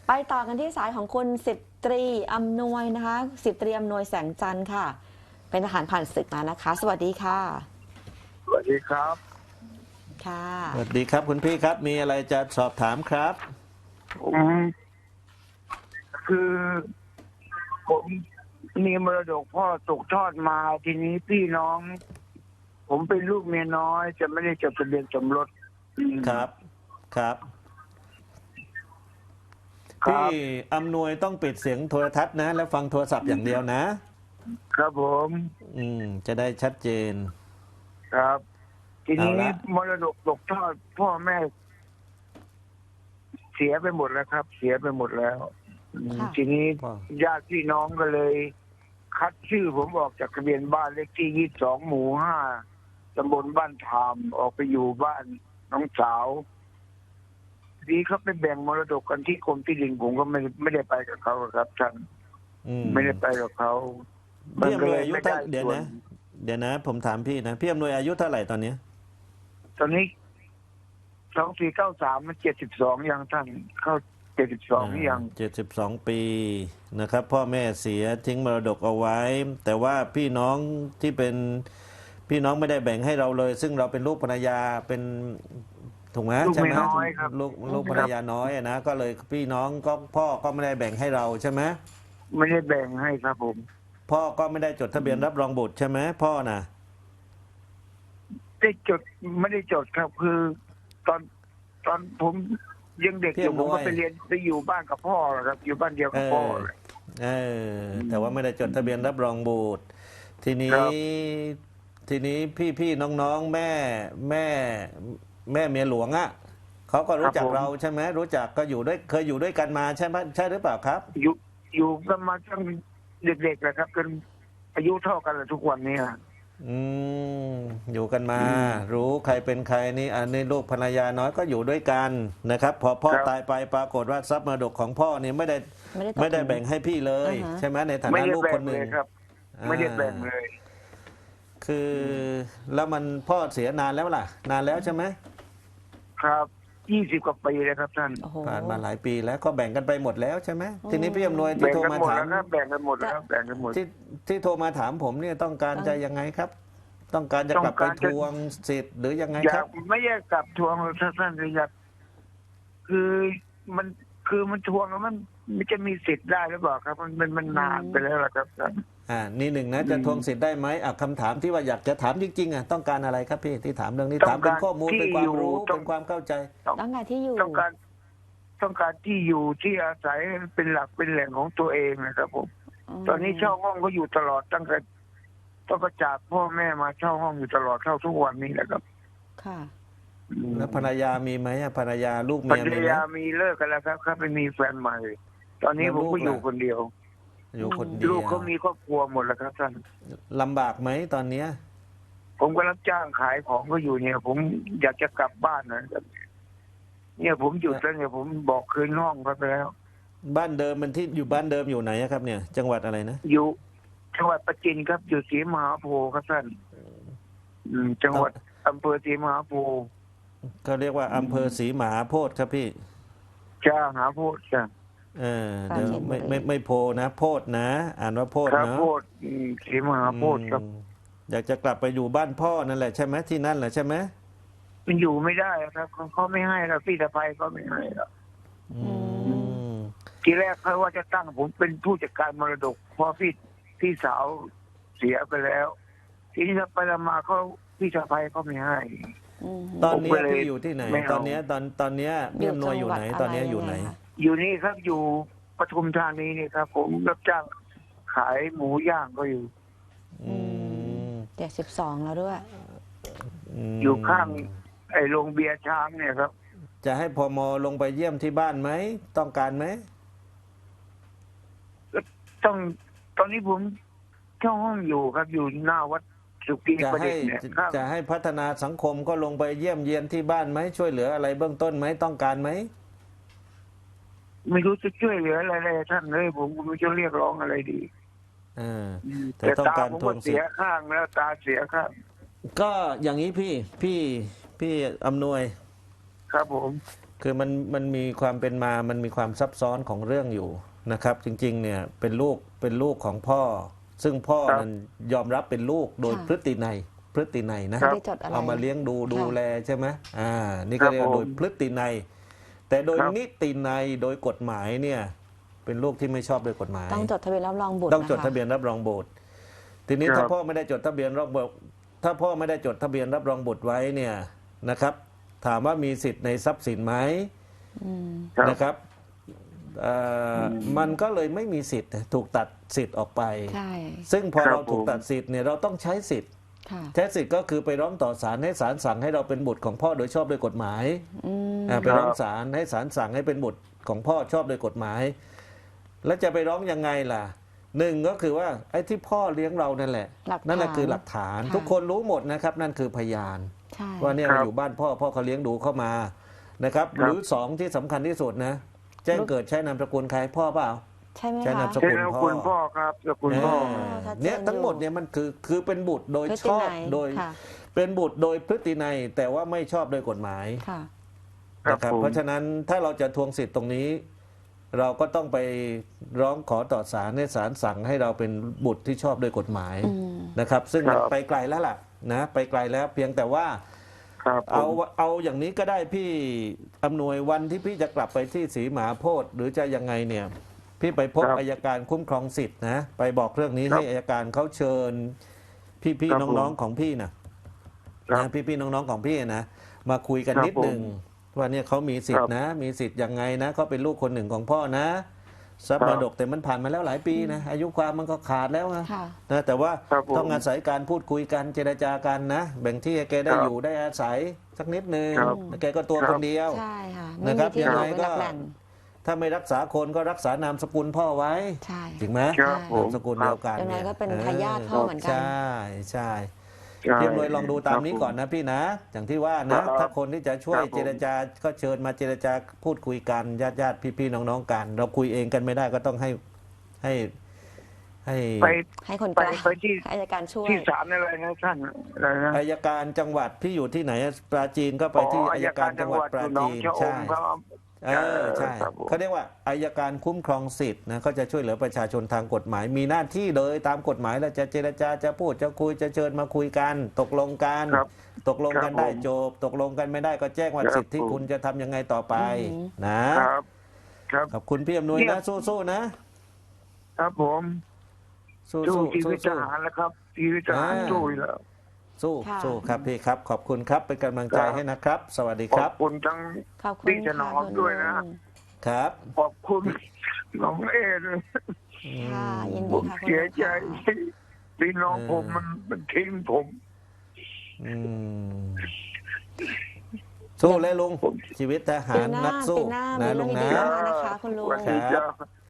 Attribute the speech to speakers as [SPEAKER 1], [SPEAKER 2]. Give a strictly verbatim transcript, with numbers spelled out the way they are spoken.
[SPEAKER 1] ไปต่อกันที่สายของคุณสิบตรีอำนวยนะคะสิบตรีอำนวยแสงจันทร์ค่ะเป็นทหารผ่านศึกมานะคะสวัสดีค่ะ
[SPEAKER 2] สวัสดีครับ
[SPEAKER 1] ค่ะ
[SPEAKER 3] สวัสดีครับคุณพี่ครับมีอะไรจะสอบถามครับ
[SPEAKER 2] ผมคือผมมีมรดกพ่อตกทอดมาทีนี้พี่น้อง ผมเป็นลูกเมียน้อยจะไม่ได้จดทะเบียนสมรส
[SPEAKER 3] ครับครับ
[SPEAKER 2] ครั
[SPEAKER 3] พี่
[SPEAKER 2] บ
[SPEAKER 3] อำนวยต้องปิดเสียงโทรทัศน์นะแล้วฟังโทรศัพท์อย่างเดียวนะครับ
[SPEAKER 2] ผม
[SPEAKER 3] อืมจะได้ชัดเจน
[SPEAKER 2] ครับ ทีนี้
[SPEAKER 3] เอาละ
[SPEAKER 2] มรดกตกทอดพ่อแม่ เสียไปหมดแล้วครับ เสียไปหมดแล้วอืม
[SPEAKER 1] ค่ะ
[SPEAKER 2] ทีนี้
[SPEAKER 3] ว้าว
[SPEAKER 2] ญาติพี่น้องก็เลย คัดชื่อผมออกจากทะเบียนบ้านเลขที่ยี่สิบสองหมู่ห้าตำบลบ้านทามออกไปอยู่บ้านน้องสาวทีนี้เขาไปแบ่งมรดกกันที่กรมที่ดินผมก็ไม่ไม่ได้ไปกับเขาครับท่าน
[SPEAKER 3] อืม
[SPEAKER 2] ไม่ได้ไปกับเขามัน
[SPEAKER 3] พี่
[SPEAKER 2] ก็
[SPEAKER 3] อำน
[SPEAKER 2] เล
[SPEAKER 3] วย
[SPEAKER 2] ย
[SPEAKER 3] อายุ
[SPEAKER 2] ไม่
[SPEAKER 3] เท่า
[SPEAKER 2] ได้
[SPEAKER 3] เดี๋ยว
[SPEAKER 2] ส่วน
[SPEAKER 3] นะ เดี๋ยวนะ ผมถามพี่นะพี่อำนวยอายุเท่าไหร่ตอนนี้
[SPEAKER 2] ตอนนี้สองสี่เก้าสามมันเจ็ดสิบสองยังท่านเข้าเจ็ดสิบสองยัง
[SPEAKER 3] เจ็ดสิบสองปีนะครับ พ่อแม่เสียทิ้งมรดกเอาไว้ แต่ว่าพี่น้องที่เป็นพี่น้องไม่ได้แบ่งให้เราเลย ซึ่งเราเป็นลูกภรรยาเป็นถูกไหม
[SPEAKER 2] ลูก
[SPEAKER 3] ใช่ไหม
[SPEAKER 2] เมียน้อยครับ
[SPEAKER 3] ลูกลูกภรรยาน้อยอะนะก็เลยพี่น้องก็พ่อก็ไม่ได้แบ่งให้เราใช่ไหม
[SPEAKER 2] ไม่ได้แบ่งให้ครับผม
[SPEAKER 3] พ่อก็ไม่ได้จดทะเบียนรับรองบุตรใช่ไหมพ่อน่ะ
[SPEAKER 2] ได้จดไม่ได้จดครับ คือตอนตอนผมยังเด็กอยู่ผมก็ไปเรียนไปอยู่บ้านกับพ่อครับ อยู่บ้านเดียวกับพ่อ
[SPEAKER 3] เออแต่ว่าไม่ได้จดทะเบียนรับรองบุตรทีนี้
[SPEAKER 2] ครับ
[SPEAKER 3] ทีนี้พี่พี่น้องๆแม่แม่แม่เมียหลวงอ่ะเขาก็รู้จักเราใช่ไหมรู้จักก็อยู่ด้วยเคยอยู่ด้วยกันมาใช่ไหมใช่หรือเปล่าครับ
[SPEAKER 2] อยู่อยู่กันมาตั้งเด็กๆเลยครับจนอายุเท่ากันเลยทุกวันนี้
[SPEAKER 3] อืมอยู่กันมา
[SPEAKER 2] อืม
[SPEAKER 3] รู้ใครเป็นใครนี่อันนี้ลูกภรรยาน้อยก็อยู่ด้วยกันนะครับ พอพ่อ
[SPEAKER 2] ครับ
[SPEAKER 3] ตายไปปรากฏว่าทรัพย์มรดกของพ่อเนี่ยไม่ได้
[SPEAKER 1] ไม่ได้ตก
[SPEAKER 3] ไม่ได้แบ่งให้พี่เลย
[SPEAKER 1] อ่าฮะ
[SPEAKER 3] ใช่ไหมในฐา
[SPEAKER 2] ไม่
[SPEAKER 3] นะ
[SPEAKER 2] ได้
[SPEAKER 3] ลูก
[SPEAKER 2] แบ่
[SPEAKER 3] ค
[SPEAKER 2] ง
[SPEAKER 3] นห
[SPEAKER 2] เล
[SPEAKER 3] นึ่ง
[SPEAKER 2] ยครับ ไม่ได้แบ่งเลย
[SPEAKER 3] คือแล้วมันพ่อเสียนานแล้วล่ะ นานแล้วใช่ไหม
[SPEAKER 2] ครับยี่สิบกว่าปีเลยครับท่าน
[SPEAKER 1] โอ้โห
[SPEAKER 3] ผ่านมาหลายปีแล้วก็แบ่งกันไปหมดแล้วใช่ไหม
[SPEAKER 1] อืม
[SPEAKER 3] ทีนี้พี่อำนวยที่
[SPEAKER 2] แบ่ง
[SPEAKER 3] โทร
[SPEAKER 2] กัน
[SPEAKER 3] มา
[SPEAKER 2] หมด
[SPEAKER 3] ถาม
[SPEAKER 2] แล้วครับแบ่งกันหมดแล้วครับแบ่งกันหมด
[SPEAKER 3] ที่ที่โทรมาถามผมเนี่ยต้องการจะยังไงครับ ต้องการจะกลับ
[SPEAKER 2] ต้
[SPEAKER 3] ไป
[SPEAKER 2] องการ
[SPEAKER 3] ท
[SPEAKER 2] จะ
[SPEAKER 3] วงสิทธิ์หรือยังไง
[SPEAKER 2] อยา
[SPEAKER 3] ครั
[SPEAKER 2] ก
[SPEAKER 3] บ
[SPEAKER 2] ไม่อยากกลับทวงเลยท่านเลยอยากคือมันคือมันทวงแล้วมันมันจะมีสิทธิ์ได้หรือเปล่าครับ มันมันมันนานไปแล้วล่ะครับท่าน
[SPEAKER 3] อ่านี่หนึ่งนะจะทวงสิทธิ์ได้ไหมอ่ะคำถามที่ว่าอยากจะถามจริงๆอ่ะต้องการอะไรครับพี่ที่ถามเรื่องนี้ถามเป็นข้อมูลเป็นความรู้เป็นความเข้าใจ
[SPEAKER 1] ต้องการที่อยู่
[SPEAKER 2] ต้องการต้องการที่อยู่ที่อาศัยเป็นหลักเป็นแหล่งของตัวเองนะครับผม ตอนนี้เช่าห้องก็อยู่ตลอดตั้งแต่ต้องกระจากพ่อแม่มาเช่าห้องอยู่ตลอดเท่าทุกวันนี้แหละครับ
[SPEAKER 1] ค่ะ
[SPEAKER 2] อืม
[SPEAKER 3] แล้วภรรยามีไหมอ่ะภรรยาลูก
[SPEAKER 2] ภร
[SPEAKER 3] เมีย
[SPEAKER 2] ร
[SPEAKER 3] มีไหม
[SPEAKER 2] ยามีเลิกกันแล้วครับครับไปมีแฟนใหม่ ตอนนี้
[SPEAKER 3] แล้ว
[SPEAKER 2] ผม
[SPEAKER 3] ลูก
[SPEAKER 2] ก็อยู่
[SPEAKER 3] ล่ะ
[SPEAKER 2] คนเดียว
[SPEAKER 3] อยู่คนเดียว
[SPEAKER 2] ลูกเขามีครอบครัวหมดแล้วครับท่าน
[SPEAKER 3] ลำบากไหมตอนเนี้ย
[SPEAKER 2] ผมก็รับจ้างขายของก็อยู่เนี่ย ผมอยากจะกลับบ้านนะครับเนี่ยผมหยุดแล้วเนี่ยผมบอกคืนห้องเขาไปแล้ว
[SPEAKER 3] บ้านเดิมมันที่อยู่บ้านเดิมอยู่ไหนอะครับเนี่ย จังหวัดอะไรนะ
[SPEAKER 2] อยู่จังหวัดประจินครับอยู่ศรีมหาโพธิ์ครับท่านอืมจังหวัดอำเภอศรีมหาโพธิ์
[SPEAKER 3] เขาเรียกว่าอำเภอศรีมหาโพธิ์ครับพี่
[SPEAKER 2] จ้าหาโพธิ์จ้ะ
[SPEAKER 3] เออเดี๋ยวไม่ไม่ไม่โพนะโพธิ์นะ อ่านว่าโพธิ์
[SPEAKER 2] ครับ
[SPEAKER 3] เนาะ
[SPEAKER 2] โพธิ์อืมศรีมหาโพธิ์ครับ
[SPEAKER 3] อืมอยากจะกลับไปอยู่บ้านพ่อนั่นแหละใช่ไหมที่นั่นแหละใช่ไหม
[SPEAKER 2] มันอยู่ไม่ได้ครับเขาเขาไม่ให้แล้วพี่ตะไพเขาไม่ให้แล้ว
[SPEAKER 3] อืม
[SPEAKER 2] ทีแรกเขาว่าจะตั้งผมเป็นผู้จัดการมรดกเพราะพี่พี่สาวเสียไปแล้ว ทีนี้ถ้าไปมาเขาพี่ตะไพเขาไม่ให้
[SPEAKER 1] อืม
[SPEAKER 3] ตอนเนี้
[SPEAKER 2] ผม
[SPEAKER 3] ย
[SPEAKER 2] ก็เลย
[SPEAKER 3] พี่อยู่ที่ไหน
[SPEAKER 2] ไม่เอา
[SPEAKER 3] ตอนเนี้ยตอนตอนเนี้ยพี่อำนวยอยู่ไหน ตอนเนี้ยอยู่ไหน
[SPEAKER 1] จังวัดะรงงคะ
[SPEAKER 2] อยู่นี่ครับอยู่ปทุมธานีนี่ครับ ผมรับจ้างขายหมูย่างก็อยู่
[SPEAKER 3] อืม
[SPEAKER 1] เจ็ดสิบสองแล้วด้วย
[SPEAKER 3] ม
[SPEAKER 2] อยู่ข้าง ไอ้โรงเบียร์ช้างเนี่ยครับ
[SPEAKER 3] จะให้พมลงไปเยี่ยมที่บ้านไหมต้องการไหม
[SPEAKER 2] ต้องตอนนี้ผมเช่าห้องอยู่ครับอยู่หน้าวัดสุกี
[SPEAKER 3] จะ
[SPEAKER 2] ประ
[SPEAKER 3] ให้
[SPEAKER 2] ดิษฐ์เนี่ยครับ
[SPEAKER 3] จะให้พัฒนาสังคมก็ลงไปเยี่ยมเยียนที่บ้านไหมช่วยเหลืออะไรเบื้องต้นไหมต้องการไหม
[SPEAKER 2] ไม่รู้จะช่วยเหลืออะไรเลยท่านเลยผมก็ไม่รู้จะเรียกร้องอะไรดี
[SPEAKER 3] เออ แต่
[SPEAKER 2] แต่
[SPEAKER 3] ต้อง
[SPEAKER 2] ตา
[SPEAKER 3] การ
[SPEAKER 2] ผม
[SPEAKER 3] ทว
[SPEAKER 2] ก็
[SPEAKER 3] งสิ
[SPEAKER 2] เสี
[SPEAKER 3] ท
[SPEAKER 2] ย
[SPEAKER 3] ธิ์
[SPEAKER 2] ข้างแล้วตาเสียข้าง
[SPEAKER 3] ก็อย่างนี้พี่พี่พี่อำนวย
[SPEAKER 2] ครับผม
[SPEAKER 3] คือมันมันมีความเป็นมามันมีความซับซ้อนของเรื่องอยู่นะครับ จริงๆเนี่ยเป็นลูกเป็นลูกของพ่อ ซึ่งพ่อ
[SPEAKER 2] ครับ
[SPEAKER 3] นั้นยอมรับเป็นลูกโดย
[SPEAKER 1] ค่ะ
[SPEAKER 3] พฤตินัยพฤตินัยนะ
[SPEAKER 1] ไม่ได้จดอะไร
[SPEAKER 3] เอามาเลี้ยงดูดู
[SPEAKER 1] ค่ะ
[SPEAKER 3] แลใช่ไหมอ่านี่ก็เรียกว่า
[SPEAKER 2] ครับผม
[SPEAKER 3] โดยพฤตินัยแต่โดย
[SPEAKER 2] ครับ
[SPEAKER 3] นิตินัยโดยกฎหมายเนี่ยเป็นลูกที่ไม่ชอบโดยกฎหมาย
[SPEAKER 1] ต้องจดทะเบียนรับรองบุตร
[SPEAKER 3] ต้องจด
[SPEAKER 1] ค
[SPEAKER 3] ทะเบียนรับรองบุตร ทีนี้
[SPEAKER 2] ครับ
[SPEAKER 3] ถ้าพ่อไม่ได้จดทะเบียนรับบุตรถ้าพ่อไม่ได้จดทะเบียนรับรองบุตรไว้เนี่ยนะครับ ถามว่ามีสิทธิ์ในทรัพย์สินไหม
[SPEAKER 1] อืม
[SPEAKER 2] ครับ
[SPEAKER 3] นะครับเอ่ออมันก็เลยไม่มีสิทธิ์ถูกตัดสิทธิ์ออกไป
[SPEAKER 1] ใช่
[SPEAKER 3] ซึ่งพอ
[SPEAKER 2] ครับ
[SPEAKER 3] เราถูก
[SPEAKER 2] ผม
[SPEAKER 3] ตัดสิทธิ์เนี่ยเราต้องใช้สิทธิ์
[SPEAKER 1] ค่ะ
[SPEAKER 3] ใช้สิทธิ์ก็คือไปร้องต่อศาลให้ศาลสั่งให้เราเป็นบุตรของพ่อโดยชอบโดยกฎหมาย
[SPEAKER 1] อืม
[SPEAKER 3] อ่าไปร้องศาลให้ศาลสั่งให้เป็นบุตรของพ่อชอบโดยกฎหมาย แล้วจะไปร้องยังไงล่ะหนึ่งก็คือว่าไอ้ที่พ่อเลี้ยงเรานั่นแหละ
[SPEAKER 1] หลักฐาน
[SPEAKER 3] นั่นแหละคือหลักฐาน
[SPEAKER 1] ค่ะ
[SPEAKER 3] ทุกคนรู้หมดนะครับ นั่นคือพยาน
[SPEAKER 1] ใช่
[SPEAKER 3] ว่าเนี่ย
[SPEAKER 2] ครับ
[SPEAKER 3] เราอยู่บ้านพ่อพ่อเขาเลี้ยงดูเข้ามานะครับ
[SPEAKER 2] ครับ
[SPEAKER 3] หรือสองที่สำคัญที่สุดนะ แจ้งเกิดใช้นามสกุลใครพ่อเปล่า
[SPEAKER 1] ใช่ไหม
[SPEAKER 3] ใช้
[SPEAKER 1] คะ
[SPEAKER 3] นามส
[SPEAKER 2] เจ้าคุณพ่อครับเจ้าคุณพ่อ
[SPEAKER 3] เออ
[SPEAKER 1] ชัดเจน
[SPEAKER 3] เนี่ยทั้งหมด
[SPEAKER 1] อยู่
[SPEAKER 3] เนี่ยมันคือคือเป็นบุตรโดย
[SPEAKER 1] พฤ
[SPEAKER 3] ช
[SPEAKER 1] ติ
[SPEAKER 3] อบ
[SPEAKER 1] นัย
[SPEAKER 3] โดย
[SPEAKER 1] ค่ะ
[SPEAKER 3] เป็นบุตรโดยพฤตินัยแต่ว่าไม่ชอบโดยกฎหมาย
[SPEAKER 1] ค่ะ
[SPEAKER 2] ครับ
[SPEAKER 3] นะครับ
[SPEAKER 2] ผม
[SPEAKER 3] เพราะฉะนั้นถ้าเราจะทวงสิทธิ์ตรงนี้ เราก็ต้องไปร้องขอต่อศาลให้ศาลสั่งให้เราเป็นบุตรที่ชอบโดยกฎหมาย
[SPEAKER 1] อืม
[SPEAKER 3] นะครับ ซึ่งมัน
[SPEAKER 2] ครับ
[SPEAKER 3] ไปไกลแล้วล่ะนะไปไกลแล้วเพียงแต่ว่า
[SPEAKER 2] ครับผ
[SPEAKER 3] เอา
[SPEAKER 2] ม
[SPEAKER 3] เอาอย่างนี้ก็ได้พี่อำนวยวันที่พี่จะกลับไปที่ศรีมหาโพธิ์หรือจะยังไงเนี่ย พี่ไปพบ
[SPEAKER 2] ครับ
[SPEAKER 3] อัยการคุ้มครองสิทธิ์นะไปบอกเรื่องนี้
[SPEAKER 2] ครับ
[SPEAKER 3] ให้อัยการเขาเชิญ พี่
[SPEAKER 2] ครับ
[SPEAKER 3] ๆน้องๆของพี่นะครับ นะพี่ๆน้องๆของพี่นะมาคุยกัน
[SPEAKER 2] ครับ
[SPEAKER 3] นิดหนึ่งว่าเนี่ยเขามีสิทธิ์นะ มีสิทธิ์ยังไงนะเขาเป็นลูกคนหนึ่งของพ่อนะทรัพย์
[SPEAKER 2] ค
[SPEAKER 3] ม
[SPEAKER 2] รับ
[SPEAKER 3] รดกแต่มันผ่านมาแล้วหลายปีนะอายุความมันก็ขาดแล้วนะ
[SPEAKER 1] ค่ะ
[SPEAKER 3] นะแต่ว่า
[SPEAKER 2] ครับผม
[SPEAKER 3] ต้องอาศัยการพูดคุยกันเจรจากันนะ แบ่งที่ให้แกได้
[SPEAKER 2] ครับ
[SPEAKER 3] อยู่ได้อาศัยสักนิดหนึ่ง
[SPEAKER 2] ครับ
[SPEAKER 3] แกก็ตัว
[SPEAKER 2] ครั
[SPEAKER 3] ค
[SPEAKER 2] บ
[SPEAKER 3] นเดียว
[SPEAKER 1] ใช่ค่ะ
[SPEAKER 3] นะ
[SPEAKER 1] ไม่
[SPEAKER 3] ครั
[SPEAKER 1] มี
[SPEAKER 3] บ
[SPEAKER 1] ที่
[SPEAKER 3] ยัง
[SPEAKER 1] อยู่
[SPEAKER 3] ไง
[SPEAKER 1] เป็น
[SPEAKER 3] ก็
[SPEAKER 1] หลักแหล่ง
[SPEAKER 3] ถ้าไม่รักษาคนก็รักษานามสกุลพ่อไว้
[SPEAKER 1] ใช่
[SPEAKER 3] จริงไหม
[SPEAKER 2] ครับผม
[SPEAKER 3] นามสกุลเดียวกัน
[SPEAKER 1] ยังไง
[SPEAKER 3] เนี่ย
[SPEAKER 1] ก็เป็นทายาทพ่อเหมือนกัน
[SPEAKER 3] ใช่ใช่
[SPEAKER 2] ใช่
[SPEAKER 3] พี่อำนวยลองดูตามนี้
[SPEAKER 2] ครับ
[SPEAKER 3] ก่อนนะพี่นะ อย่างที่ว่านะ
[SPEAKER 2] ครับ
[SPEAKER 3] ถ้าคนที่จะช่วย
[SPEAKER 2] ครับผม
[SPEAKER 3] เจรจาก็เชิญมาเจรจาพูดคุยกันญาติญาติพี่ๆน้องๆกัน เราคุยเองกันไม่ได้ก็ต้องให้ให้ให้
[SPEAKER 2] ไป
[SPEAKER 1] ให้คนก
[SPEAKER 2] ไป
[SPEAKER 1] ลาง
[SPEAKER 2] ไปที่
[SPEAKER 1] ให้อัยการช่วย
[SPEAKER 2] ที่ศาลอะไรนะท่านอะไรนะ
[SPEAKER 3] อายการจังหวัดพี่อยู่ที่ไหนปราจีนก็ไปที่อายการจังหวัดปรา
[SPEAKER 2] อยู่หนอง
[SPEAKER 3] จีน
[SPEAKER 2] ชะอ
[SPEAKER 3] ใช่
[SPEAKER 2] มครับ
[SPEAKER 3] เออใช่
[SPEAKER 2] ครับผม
[SPEAKER 3] เขาเรียกว่าอายการคุ้มครองสิทธิ์นะเขาจะช่วยเหลือประชาชนทางกฎหมาย มีหน้าที่เลยตามกฎหมายเราจะเจรจาจะพูดจะคุยจะเชิญมาคุยกัน ตกลงกัน
[SPEAKER 2] ครับ
[SPEAKER 3] ตกลงกัน
[SPEAKER 2] ครับ
[SPEAKER 3] ได้
[SPEAKER 2] ผม
[SPEAKER 3] จบ ตกลงกันไม่ได้ก็แจ้งว่า
[SPEAKER 2] ครับ
[SPEAKER 3] สิทธิ์ที่
[SPEAKER 2] ผม
[SPEAKER 3] คุณจะทำยังไงต่อไป
[SPEAKER 1] อืม
[SPEAKER 3] นะ
[SPEAKER 2] ครับ ครับ
[SPEAKER 3] ขอบคุณพี่อำนวย
[SPEAKER 2] เนี่
[SPEAKER 3] นะ
[SPEAKER 2] ย
[SPEAKER 3] สู้ๆนะ
[SPEAKER 2] ครับผม
[SPEAKER 3] สู้
[SPEAKER 2] สู้
[SPEAKER 3] ๆ
[SPEAKER 2] ชีวิตท
[SPEAKER 3] สู้
[SPEAKER 2] หารแล้วครับชีวิตทหาร
[SPEAKER 3] อ่า
[SPEAKER 2] สู้อยู่แล้ว
[SPEAKER 3] สู้
[SPEAKER 1] ค่ะ
[SPEAKER 3] สู้ครับพี่ครับ ขอบคุณครับเป็นกำลังใจ
[SPEAKER 2] ครับ
[SPEAKER 3] ให้นะครับ สวัสดี
[SPEAKER 2] ข
[SPEAKER 3] ค
[SPEAKER 2] อ
[SPEAKER 3] รั
[SPEAKER 2] บบ คุณทั้ง
[SPEAKER 1] ขอบคุณ
[SPEAKER 2] พี่ถนอม
[SPEAKER 1] ค่ะ
[SPEAKER 2] ด้วยนะ
[SPEAKER 1] คุณลุง
[SPEAKER 3] ครับ
[SPEAKER 2] ขอบคุณน้องเอด้วย
[SPEAKER 1] ค่ะยิน
[SPEAKER 2] ผ
[SPEAKER 1] ดี
[SPEAKER 2] ม
[SPEAKER 1] ค่ะคุณ
[SPEAKER 2] เสีย
[SPEAKER 1] ลุง
[SPEAKER 2] ใจ
[SPEAKER 1] ค่ะ
[SPEAKER 2] พี่น้องผมมันมันทิ้งผม
[SPEAKER 3] อืมสู้เลยลุง
[SPEAKER 2] ผม
[SPEAKER 3] ชีวิตทหา
[SPEAKER 1] ปี
[SPEAKER 3] ร
[SPEAKER 1] หน้า
[SPEAKER 3] นักสู้
[SPEAKER 1] ปีหน้ามี
[SPEAKER 3] นะ
[SPEAKER 1] เรื่
[SPEAKER 3] ลุ
[SPEAKER 1] อง
[SPEAKER 3] ง
[SPEAKER 1] ดี
[SPEAKER 3] นะ
[SPEAKER 1] ๆเข้ามานะคะคุณลุง
[SPEAKER 2] วันนี้จะ